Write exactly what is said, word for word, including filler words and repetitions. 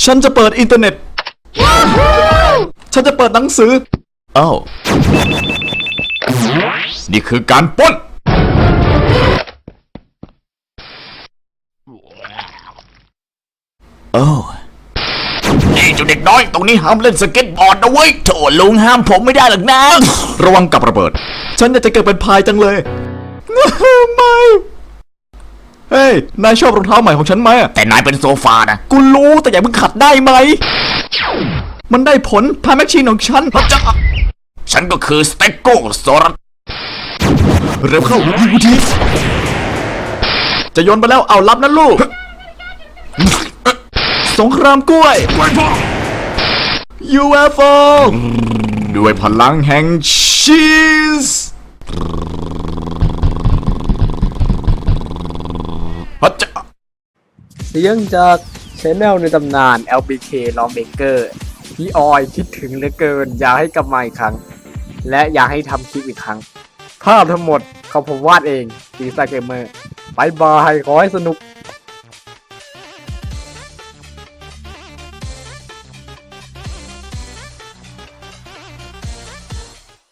ฉันจะเปิดอินเทอร์เน็ต ฉันจะเปิดหนังสืออ้าวนี่คือการปล้นโอ้นี่เจ้าเด็กน้อยตรงนี้ห้ามเล่นสเก็ตบอร์ดนะเว้ยโถลุงห้ามผมไม่ได้หรอกนะ ระวังกับระเบิดฉันอยากจะเกิดเป็นพายจังเลย ไม่เฮ้ยนายชอบรองเท้าใหม่ของฉันไหมแต่นายเป็นโซฟานะกูรู้แต่อย่าเพิ่งขัดได้ไหมมันได้ผลพายแมชชีนของฉันพระเจ้าฉันก็คือสเต็กโกโซรัสเร็วเข้ายิงกูทีจะโยนไปแล้วเอารับนะลูกสงครามกล้วย ยู เอฟ โอ ด้วยพลังแห่งชีสพระเจ้าเสียงจากชแนลในตำนาน แอล บี เค Lawmaker พี่ออยคิดถึงเหลือเกินอยากให้กลับมาอีกครั้งและอยากให้ทำคลิปอีกครั้งภาพทั้งหมดเขาผมวาดเองปีศาจเกมเมอร์บายบายขอให้สนุก